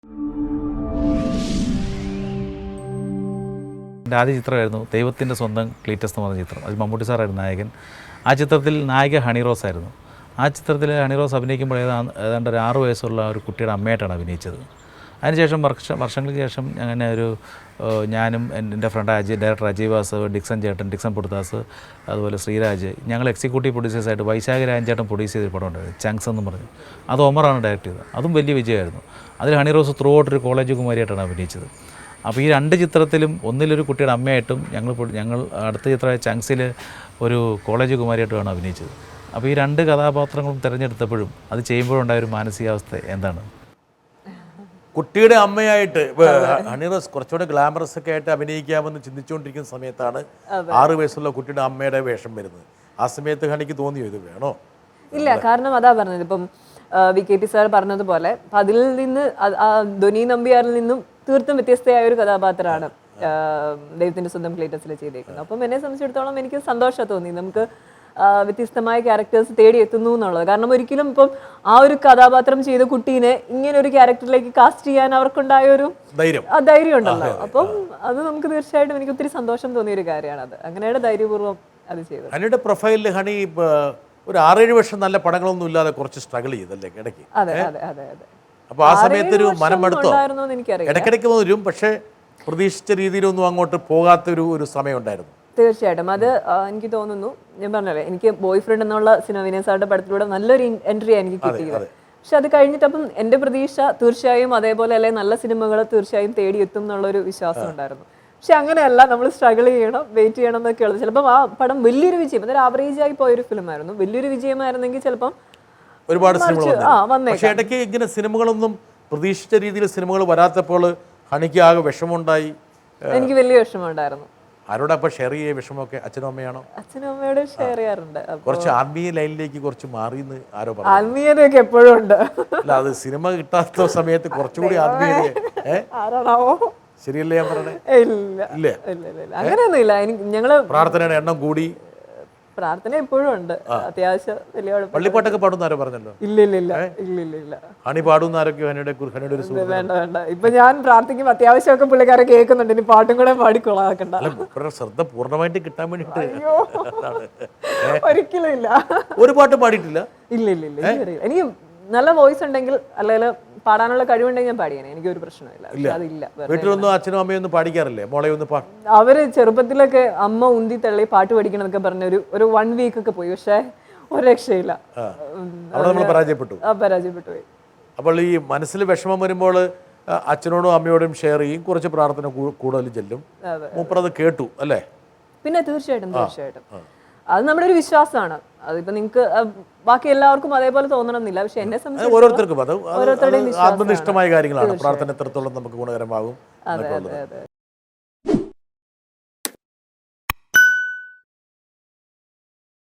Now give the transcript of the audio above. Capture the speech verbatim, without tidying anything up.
എൻ്റെ ആദ്യ ചിത്രമായിരുന്നു ദൈവത്തിൻ്റെ സ്വന്തം ക്ലീറ്റസ് എന്ന് പറഞ്ഞ ചിത്രം. അത് മമ്മൂട്ടി സാറായിരുന്നു നായകൻ. ആ ചിത്രത്തിൽ നായിക ഹണി റോസ് ആയിരുന്നു. ആ ചിത്രത്തിൽ ഹണി റോസ് അഭിനയിക്കുമ്പോൾ ഏതാണ്ട് ഏതാണ്ട് ഒരു ആറ് വയസ്സുള്ള ഒരു കുട്ടിയുടെ അമ്മയായിട്ടാണ് അഭിനയിച്ചത്. അതിനുശേഷം വർഷ വർഷങ്ങൾക്ക് ശേഷം അങ്ങനെ ഒരു ഞാനും എൻ്റെ friend Ajay director Ajay Vasav, Dixon ചേട്ടൻ, ഡിക്സൺ പുടുദാസ്, അതുപോലെ ശ്രീരാജ്, ഞങ്ങൾ എക്സിക്യൂട്ടീവ് പ്രൊഡ്യൂസേഴ്സായിട്ട് വൈശാഖ രാജൻ ചേട്ടൻ പ്രൊഡ്യൂസ് ചെയ്തൊരു പടം ഉണ്ടായിരുന്നു, ചങ്സ് എന്ന് പറഞ്ഞു. അത് ഒമറാണ് ഡയറക്റ്റ് ചെയ്തത്. അതും വലിയ വിജയമായിരുന്നു. അതിൽ ഹണി റോസ് ത്രൂ ഔട്ട് ഒരു കോളേജ് കുമാരിയായിട്ടാണ് അഭിനയിച്ചത്. അപ്പോൾ ഈ രണ്ട് ചിത്രത്തിലും ഒന്നിലൊരു കുട്ടിയുടെ അമ്മയായിട്ടും ഞങ്ങൾ ഞങ്ങൾ അടുത്ത ചിത്രമായ ചങ്സിൽ ഒരു കോളേജ് കുമാരിയായിട്ടുമാണ് അഭിനയിച്ചത്. അപ്പോൾ ഈ രണ്ട് കഥാപാത്രങ്ങളും തിരഞ്ഞെടുത്തപ്പോഴും അത് ചെയ്യുമ്പോഴുണ്ടായൊരു മാനസികാവസ്ഥ എന്താണ്? കുട്ടിയുടെ അമ്മയായിട്ട് ഹണി റോസ് കുറച്ചുകൂടെ ഗ്ലാമറസ് ഒക്കെ ആയിട്ട് അഭിനയിക്കാമെന്ന് ചിന്തിച്ചുകൊണ്ടിരിക്കുന്ന സമയത്താണ് ആറ് വയസ്സുള്ള കുട്ടിയുടെ അമ്മയുടെ വേഷം വരുന്നത്. ആ സമയത്ത് ഹണിക്ക് തോന്നിയോ ഇത് വേണോ? ഇല്ല, കാരണം അതാ പറഞ്ഞത്, ഇപ്പം വി കെ പി സാർ പറഞ്ഞതുപോലെ അതിൽ നിന്ന് ധ്വനി നമ്പ്യാരിൽ നിന്നും തീർത്തും വ്യത്യസ്തയായ ഒരു കഥാപാത്രമാണ് ദൈവത്തിൻ്റെ സ്വന്തം ക്ലീറ്റസിൽ ചെയ്തേക്കുന്നത്. അപ്പം എന്നെ സംബന്ധിച്ചിടത്തോളം എനിക്ക് സന്തോഷം തോന്നി, നമുക്ക് വ്യത്യസ്തമായ ക്യാരക്ടേഴ്സ് തേടി എത്തുന്നു എന്നുള്ളത്. കാരണം ഒരിക്കലും ഇപ്പം ആ ഒരു കഥാപാത്രം ചെയ്ത കുട്ടീനെ ഇങ്ങനെ ഒരു ക്യാരക്ടറിലേക്ക് കാസ്റ്റ് ചെയ്യാൻ അവർക്കുണ്ടായ ഒരു ധൈര്യം ഉണ്ടല്ലോ. അപ്പം അത് നമുക്ക് തീർച്ചയായിട്ടും എനിക്ക് ഒത്തിരി സന്തോഷം തോന്നിയ ഒരു കാര്യമാണ്. അത് അങ്ങനെയാണ് ധൈര്യപൂർവ്വം അത് ചെയ്തത്. ഹണിയുടെ പ്രൊഫൈലിൽ ഹണി ഒരു ആറേഴ് വർഷം നല്ല പടങ്ങളൊന്നും ഇല്ലാതെ കുറച്ച് സ്ട്രഗിൾ ചെയ്തല്ലേ ഇടയ്ക്ക്? അതെ അതെ അതെ അതെ അപ്പോൾ ആ സമയത്ത് ഒരു മനമെടുത്തോ? ഇടയ്ക്കിടയ്ക്ക് വരും, പക്ഷേ പ്രതീക്ഷിച്ച രീതിയിലൊന്നും അങ്ങോട്ട് പോകാത്തൊരു ഒരു സമയം ഉണ്ടായിരുന്നു. തീർച്ചയായിട്ടും അത് എനിക്ക് തോന്നുന്നു, ഞാൻ പറഞ്ഞല്ലേ, എനിക്ക് ബോയ് ഫ്രണ്ട് എന്നുള്ള സിനിമ വിനയ് സാറിന്റെ പടത്തിലൂടെ നല്ലൊരു എൻട്രിയാണ് എനിക്ക് കിട്ടിയത്. പക്ഷെ അത് കഴിഞ്ഞിട്ടപ്പം എൻ്റെ പ്രതീക്ഷ തീർച്ചയായും അതേപോലെ അല്ലെ നല്ല സിനിമകൾ തീർച്ചയായും തേടിയെത്തും എന്നുള്ളൊരു വിശ്വാസം ഉണ്ടായിരുന്നു. പക്ഷെ അങ്ങനെയല്ല, നമ്മൾ സ്ട്രഗിൾ ചെയ്യണം, വെയിറ്റ് ചെയ്യണം എന്നൊക്കെ ഉള്ളത്. ചിലപ്പം ആ പടം വലിയൊരു വിജയം, അതൊരു ആവറേജ് ആയി പോയൊരു ഫിലിമായിരുന്നു. വലിയൊരു വിജയമായിരുന്നെങ്കിൽ ചിലപ്പം ഒരുപാട് സിനിമകൾ. പക്ഷേ ഇടയ്ക്ക് ഇങ്ങനെ സിനിമകളൊന്നും പ്രതീക്ഷിച്ച രീതിയിൽ സിനിമകൾ വരാത്തപ്പോൾ ഹണിക്ക് ആകെ വിഷമമുണ്ടായി. എനിക്ക് വലിയ വിഷമമുണ്ടായിരുന്നു. ആരോടാ അപ്പോൾ ഷെയർ ചെയ്യ വിഷമമൊക്കെ? അച്ഛനും അമ്മയാണോ? അച്ഛനും അമ്മയോട് ഷെയർ ചെയ്യാറുണ്ട്. കുറച്ച് ആത്മീയ ലൈനിലേക്ക് കുറച്ച് മാറിയെന്ന് ആരോ പറഞ്ഞു. ആത്മീയതയൊക്കെ എപ്പോഴും ഉണ്ട്. അല്ല, അത് സിനിമ കിട്ടാത്ത സമയത്ത് കുറച്ചുകൂടി ആത്മീയത ആരാണാവോ? ശരിയല്ലേ ഞാൻ പറഞ്ഞേ? ഇല്ല ഇല്ല ഇല്ല അങ്ങനെയൊന്നും ഇല്ല. എനിക്ക് ഞങ്ങള് പ്രാർത്ഥനയുടെ എണ്ണം കൂടി. പ്രാർത്ഥന എപ്പോഴും ഉണ്ട്, അത്യാവശ്യം വലിയ പള്ളിപ്പാട്ടൊക്കെ പാടുന്ന ആരോ പറഞ്ഞല്ലോ? ഇല്ല ഇല്ല ഇല്ല ഇല്ല ഇല്ല ഇല്ല ഹണി പാടുന്ന ആരൊക്കെ? ഹണിയുടെ ഹണിയുടെ ഒരു വേണ്ട വേണ്ട, ഇപ്പൊ ഞാൻ പ്രാർത്ഥിക്കുമ്പോൾ അത്യാവശ്യമൊക്കെ പുള്ളിക്കാരെ കേൾക്കുന്നുണ്ട്, ഇനി പാട്ടും കൂടെ പാടിക്കൊള്ളാക്കണ്ട. ശ്രദ്ധ പൂർണ്ണമായിട്ട് കിട്ടാൻ വേണ്ടിട്ട് ഒരിക്കലും ഇല്ല. ഒരു പാട്ട് പാടിയിട്ടില്ല? ഇല്ല ഇല്ല ഇല്ല എനിക്ക് നല്ല വോയിസ് ഉണ്ടെങ്കിൽ അല്ലെങ്കിൽ പാടാനുള്ള കഴിവുണ്ടെങ്കിൽ ഞാൻ പാടിയേനെ, എനിക്കൊരു പ്രശ്നമില്ല. അതില്ല. വീട്ടിലൊന്നും അച്ഛനും അമ്മയും ഒന്നും പാടിക്കാറില്ലേ? മോളെ ഒന്ന് പാ അവര് ചെറുപ്പത്തിലൊക്കെ അമ്മ ഉന്തി തള്ളി പാട്ട് പഠിക്കണം എന്നൊക്കെ പറഞ്ഞ ഒരു ഒരു വൺ വീക്ക് ഒക്കെ പോയി, പക്ഷെ ഒരു രക്ഷയില്ല, പരാജയപ്പെട്ടു പരാജയപ്പെട്ടു പോയി. അപ്പോൾ ഈ മനസ്സിൽ വിഷമം വരുമ്പോൾ അച്ഛനോടും അമ്മയോടും ഷെയർ ചെയ്യും, കുറച്ച് പ്രാർത്ഥന കൂടുതൽ ചെല്ലും. മൂപ്പറത് കേട്ടു അല്ലേ? പിന്നെ തീർച്ചയായിട്ടും തീർച്ചയായിട്ടും അത് നമ്മുടെ ഒരു വിശ്വാസമാണ്. അതിപ്പോ നിങ്ങൾക്ക് ബാക്കി എല്ലാവർക്കും അതേപോലെ തോന്നണമെന്നില്ല, പക്ഷെ എന്നെ സംബന്ധിച്ച് ഓരോരുത്തർക്കും അത് ആത്മനിഷ്ഠമായ കാര്യങ്ങളാണ്. പ്രാർത്ഥന എത്രത്തോളം നമുക്ക് ഗുണകരമാകും.